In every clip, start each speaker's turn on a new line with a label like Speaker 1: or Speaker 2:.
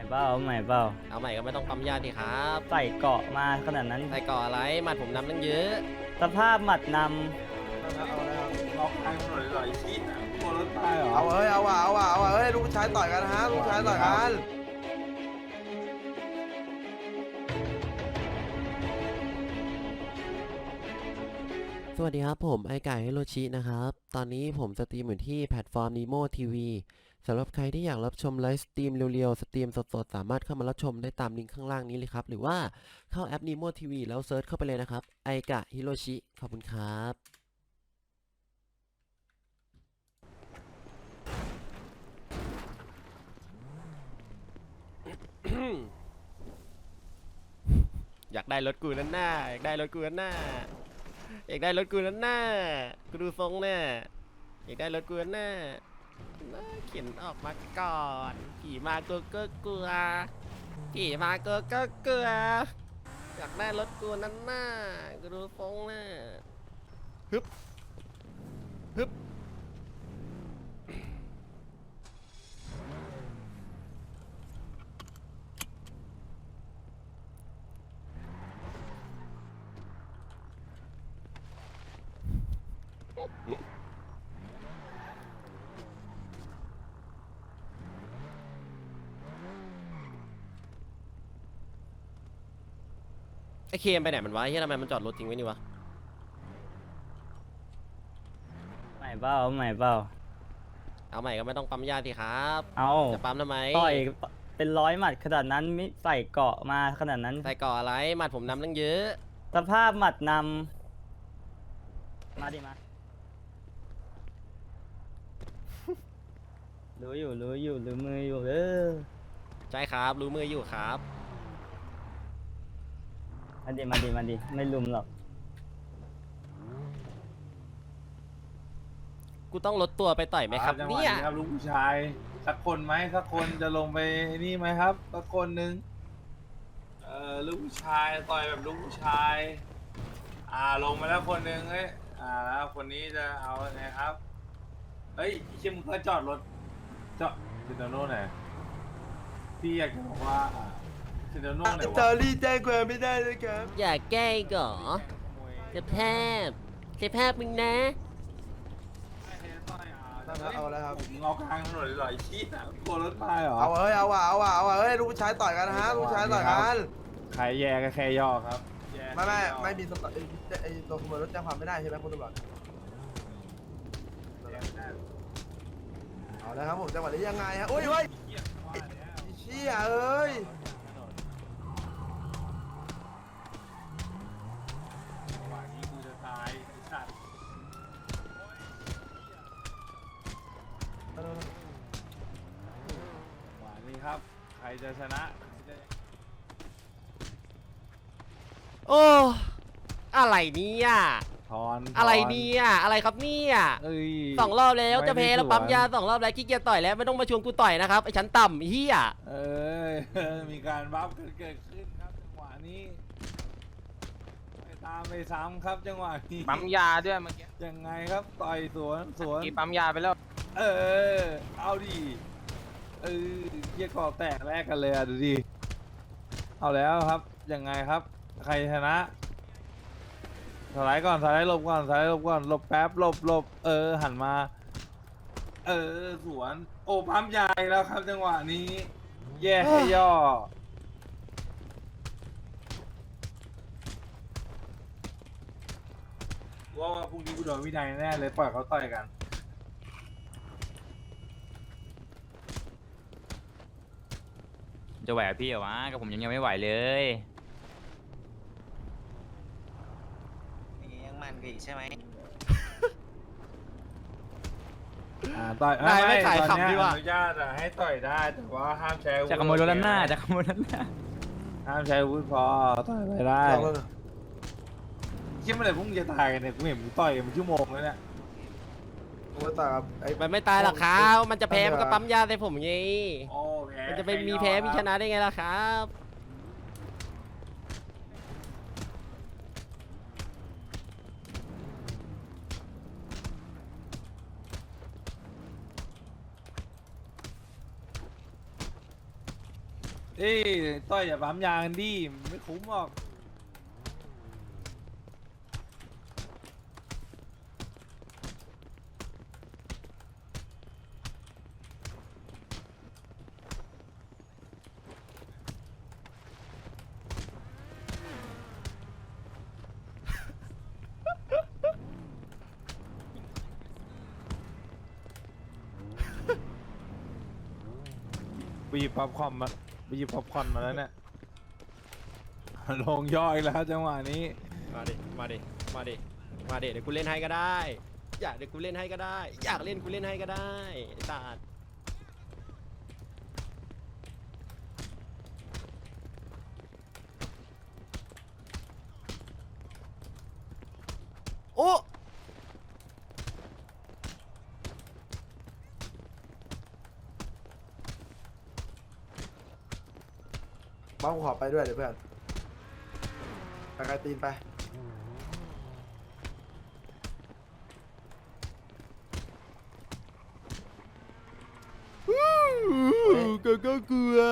Speaker 1: เปล่าเอาใหม่เปล่า
Speaker 2: เอาใหม่ก็ไม่ต้องปั๊มยาดิครับ
Speaker 1: ใส่เกาะมาขนาดนั้น
Speaker 2: ใส่ก่ออะไรหมัดผมนำตั้งเยอะ
Speaker 1: สภาพหมัดน
Speaker 3: ล็อกทางถนนเลยเหรอไอ้ชี้น่ะกลัวรถตายเหรอ
Speaker 4: เอาเฮ้ยเอาว่ะเอาว่ะเอาว่ะเฮ้ยลูกผู้ชายต่อยกันนะฮะลูกผู้ชายต่อยกัน
Speaker 5: สวัสดีครับผมไอไก่ฮิโรชินะครับตอนนี้ผมสตรีมอยู่ที่แพลตฟอร์ม Nemo TV สำหรับใครที่อยากรับชมไลฟ์สตรีมเร็วๆสตรีมสดๆสามารถเข้ามารับชมได้ตามลิงก์ข้างล่างนี้เลยครับหรือว่าเข้าแอป Nemo TV แล้วเซิร์ชเข้าไปเลยนะครับไอกะฮิโรชิขอบคุณครับ
Speaker 2: อยากได้รถกูนั่นหน้าอยากได้รถกูนั่นหน้าอยากได้รถกูนั่นหน้ากูดูทรงเนี่ยอยากได้รถกูนั่นหน้าเขียนออกมาก่อนขี่มาก็กลัวขี่มาก็กลัวอยากได้รถกูนั่นหน้ากูดูทรงเนี่ยฮึบฮึบไอ้เคมไปไหนมันวะเฮ้ยทำไมมันจอดรถทิ้งไว้นี่วะ
Speaker 1: ำใหม่เปล่าเอาใหม่เปล่า
Speaker 2: เอาใหม่ก็ไม่ต้องปั๊มยาสิครับ
Speaker 1: เอา
Speaker 2: จะปั๊มทำไม
Speaker 1: ต่อยเป็นร้อยหมัดขนาดนั้นไม่ใส่เกาะมาขนาดนั้น
Speaker 2: ใส่ก่ออะไรหมัดผมนำตั้งเยอะ
Speaker 1: สภาพหมัดนำมาดิมารู้อยู่รู้มืออยู่
Speaker 2: ใช่ครับรู้มืออยู่ครับ
Speaker 1: มาดิไม่ลุมหรอก
Speaker 2: กูต้องลดตัวไปต่อยไหมครับเนี่ย
Speaker 3: ครับลูกผู้ชายสักคนไหมสักคนจะลงไปนี่ไหมครับสักคนหนึ่งลูกผู้ชายต่อยแบบลูกผู้ชายลงมาแล้วคนหนึ่งเอ้ยแล้วคนนี้จะเอาไงครับเฮ้ยชิมงก็จอดรถจอดซินโน่ไหนพี่อยากจะบอกว่าซินโน่ไหนวะ
Speaker 4: เจอรี่แจ้งความไม่ได้เลยครับ
Speaker 2: อย่าแกล้งก่อจะแพบมึงนะ
Speaker 4: เอาแล้วครับ
Speaker 3: ผมเอากลางถนนเลยเหรอไอ้ชี้น่ะกลัวรถตายเหรอ
Speaker 4: เอาเฮ้ยเอาว่ะเอาว่ะเอาว่ะเฮ้ยลูกผู้ชายต่อยกันนะฮะลูกผู้ชายต่อยกัน
Speaker 3: ใครแย่ก็แค่ย่อครับ
Speaker 4: ไม่มีไอ้ตัวขโมยรถแจ้งความไม่ได้ใช่ไหมคุณตำรวจเอาแล้วครับผมจังหวะนี้ยังไงฮะโอ้ยเฮ้ยเชี่ยเอ้ย
Speaker 3: จังหวะนี้กูจะตายไอ้สัตว์หวานนี้ครับ ใครจะชนะ
Speaker 2: โอ้อะไรเนี่ย
Speaker 3: ทอน
Speaker 2: อะไรเนี่ยอะไรครับเนี่ย
Speaker 3: เอ้ย
Speaker 2: 2 รอบแล้วจะแพ้แล้วปั๊มยา
Speaker 3: ไ
Speaker 2: 2 รอบแล้วขี้เกียจต่อยแล้วไม่ต้องมาชวนกูต่อยนะครับไอ้ชั้นต่ำเฮีย
Speaker 3: เอ้ย มีการบัฟกันเกิดขึ้นครับจังหวะนี้ไปตามไปซ้ำครับจังหวะนี้
Speaker 6: ปั๊มยาด้วยเมื่อกี้
Speaker 3: ยังไงครับต่อยสวน
Speaker 6: กี่ปั๊มยาไปแล้ว
Speaker 3: เออเอาดิเกียร์กรอบแตกแรกกันเลยอ่ะดูดิเอาแล้วครับยังไงครับใครชนะสไลด์ก่อนสไลด์หลบก่อนสไลด์หลบก่อนหลบแป๊บหลบหันมาสวนโอ้ปั๊มใหญ่แล้วครับจังหวะนี้ แย่ให้ย่อว่าพรุ่งนี้กูโดนวินัยแน่เลยปล่อยเขาต่อยกัน
Speaker 6: จะไหวพี่เหรอวะกับผมยังไม่ไหวเลย
Speaker 7: ยังมันกันอีกใช่ไหม
Speaker 3: ต่อย
Speaker 2: นายไม่ขาย
Speaker 3: ตอน
Speaker 2: ขำ
Speaker 3: เนี้
Speaker 2: ดี
Speaker 3: ย
Speaker 2: กว่า
Speaker 3: อนุญาตให้ต่อยได้แต่ว่าห้ามใช้อาวุธ
Speaker 6: จะขโมยรถด้านหน้าจะขโมยรถด้านหน้า
Speaker 3: ห้ามใช้อาวุธพอต่อยไปได้คิดเมื่อไหร่พวกมึงจะตายกันเนี่ยกูเห็นมึงต่อยกันเป็นชั่วโมงแล้วเนี่ย
Speaker 4: โอ้ต่อยกับไอ้
Speaker 2: มันไม่ตายหรอกครับมันจะแพ้มันก็ปั๊มยาใส่ผมไง
Speaker 3: โอ้แพ้
Speaker 2: มันจะไปมีแพ้มีชนะได้ไงล่ะครับ
Speaker 3: เอ้ยต้อยอย่าปั๊มยากันดิไม่คุ้มหรอก ไปหยิบป๊อปคอร์นมาไปหยิบป๊อปคอร์นมาแล้วเนี่ย ลงย่อยแล้วจังหวะนี้
Speaker 2: มาดิ มาดิ มาดิ มาดิ เดี๋ยวกูเล่นให้ก็ได้ อยากเดี๋ยวกูเล่นให้ก็ได้ อยากเล่นกูเล่นให้ก็ได้ไอ้สัตว์ โอ้
Speaker 4: บ้าขอไปด้วยเดี๋ยวเพื่อนไปไกลตีนไป
Speaker 2: ก็กลัว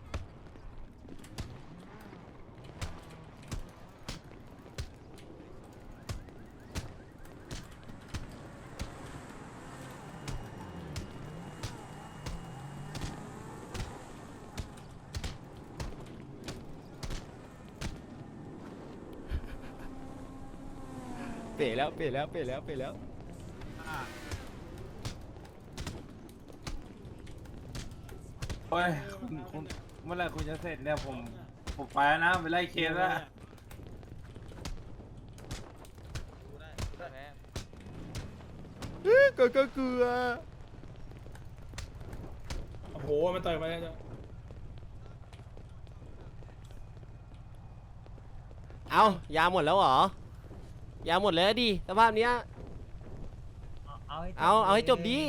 Speaker 2: เป๋แล้วเป๋แล้วเป๋แล้วเป๋แล้ว
Speaker 3: โอ้ยคุณเมื่อไหร่คุณจะเสร็จเนี่ยผมไปแล้วนะไปไล่เคสแล้ว
Speaker 2: ก็กลัว
Speaker 7: โอ้โห มันต่อยมาแล้วจ้ะ
Speaker 2: เอายาหมดแล้วเหรอ ยาหมดแล้วดิสภาพเนี้ย เอาให้จบดี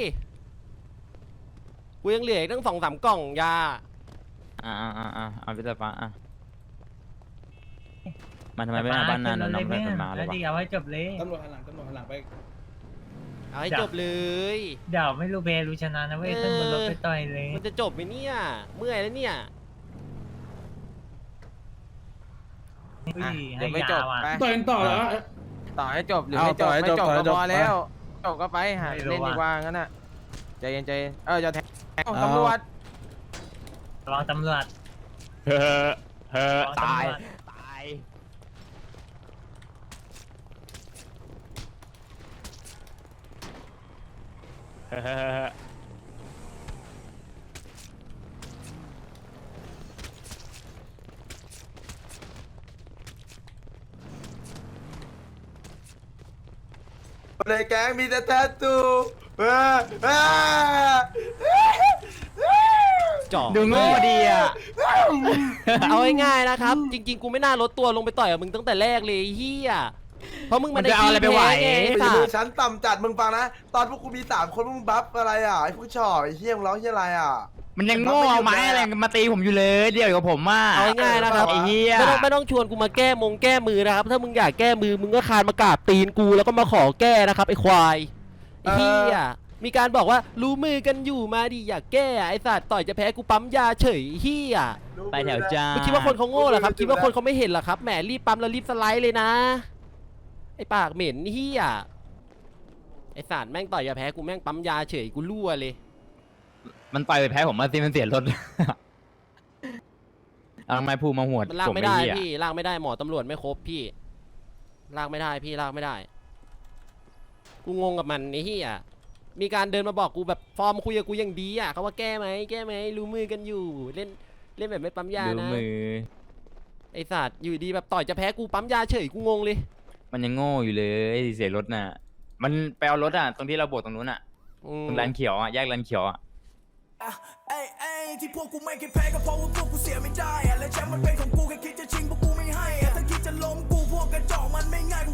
Speaker 2: กูยังเหลืออีกตั้ง2-3 กล่องยา
Speaker 6: เอาพี่ตาฟ้ามันทำไมไม่มาบ้านนานน้องไม่เคยมาเลยวะ
Speaker 1: เอาให้จบเลย
Speaker 7: ตำรวจหันหลังไป
Speaker 2: เอาให้จบเลย
Speaker 1: เดี๋ยวไม่รู้เบรู้ชนะนะเว้ยต้องบนรถไปต่อยเลย
Speaker 2: มันจะจบไหมเนี่ย เมื่อยแล้วเนี่ย
Speaker 1: เดี๋ยวไม่จบ
Speaker 7: ต่อยกันต่อเหรอ
Speaker 8: ต่อให้จบหรือไม่จบไม่จบก็พอแล้วจบก็ไปหาเล่นดีกว่างั้นน่ะใจเย็นใจจะแทงตำรวจ
Speaker 1: ระวังตำรวจ
Speaker 6: ตาย
Speaker 2: ตาย
Speaker 4: ในแก๊งมีแต่แทตตูเออ
Speaker 2: จ่อ
Speaker 6: ดูโง่ดีอ่ะ
Speaker 2: เอาง่ายๆนะครับ จริงๆ กูไม่น่าลดตัวลงไปต่อยกับมึงตั้งแต่แรกเลยไอ้เฮียเพราะมึงมัน
Speaker 6: มันจะเอาอะไรไปไหว
Speaker 2: ไง
Speaker 4: ไป
Speaker 2: ไอ้
Speaker 4: ดู
Speaker 2: สัตว์
Speaker 4: ชั้นต่ำจัดมึงฟังนะ ตอนพวกกูมี3 คนมึงบัฟอะไรอ่ะไอ้พวกชอบไอ้เฮี้ยมงร้องเฮี้ยอะไรอ่ะ
Speaker 6: มันยังโง่เอาไม้อะไรมาตีผมอยู่เลยเดียวกับผมอ่ะ
Speaker 2: เอาง่ายๆนะครับ
Speaker 6: ไอ้เหี้ย
Speaker 2: ไม่ต้องชวนกูมาแก้มือนะครับ ถ้ามึงอยากแก้มือมึงก็คานมากราบตีนกูแล้วก็มาขอแก้นะครับไอ้ควายไอ้เฮียมีการบอกว่ารู้มือกันอยู่มาดิอยากแก้ไอ้สัตว์ต่อยจะแพ้กูปั๊มยาเฉยเฮีย
Speaker 6: ไปแถวจ้า
Speaker 2: ไม่คิดว่าคนเขาโง่เหรอครับคิดว่าคนเขาไม่เห็นเหรอครับแหมรีบปั๊มแล้วรีบสไลด์เลยนะไอ้ปากเหม็นเฮียไอ้สัตว์แม่งต่อยจะแพ้กูแม่งปั๊มยาเฉยกูรั่วเลย
Speaker 6: มันต่อยไปแพ้ผมมาสิมันเสียรถ เอาไม้พูมาหวด
Speaker 2: มันลาก
Speaker 6: ผม
Speaker 2: ไม่ได้
Speaker 6: เหี้ย
Speaker 2: พี่ลากไม่ได้หมอตำรวจไม่ครบพี่ลากไม่ได้พี่ลากไม่ได้กูงงกับมันไอ้เหี้ยมีการเดินมาบอกกูแบบฟอร์มคุยกับกูอย่างดีอ่ะเขาว่าแก้ไหมรู้มือกันอยู่เล่นแบบไม่ปั๊มยา
Speaker 6: ดู
Speaker 2: นะ
Speaker 6: มือ
Speaker 2: ไอ้สัตว์อยู่ดีแบบต่อยจะแพ้กูปั๊มยาเฉยกูงงเลย
Speaker 6: มันยังโง่อยู่เลยเสียรถน่ะ มันไปเอารถอ่ะตรงที่เราโบกตรงนู้นอ่ะ
Speaker 2: อืม
Speaker 6: ตรงร้านเขียวอ่ะแยกร้านเขียวอ่ะ
Speaker 9: ไอ้ที่พวกกูไม่เคยแพ้ก็เพราะว่าพวกกูเสียไม่ได้อะและแชมป์มันเป็นของกูแค่คิดจะชิงพวกกูไม่ให้อะถ้าคิดจะล้มกูพวกกระจอกมันไม่ง่าย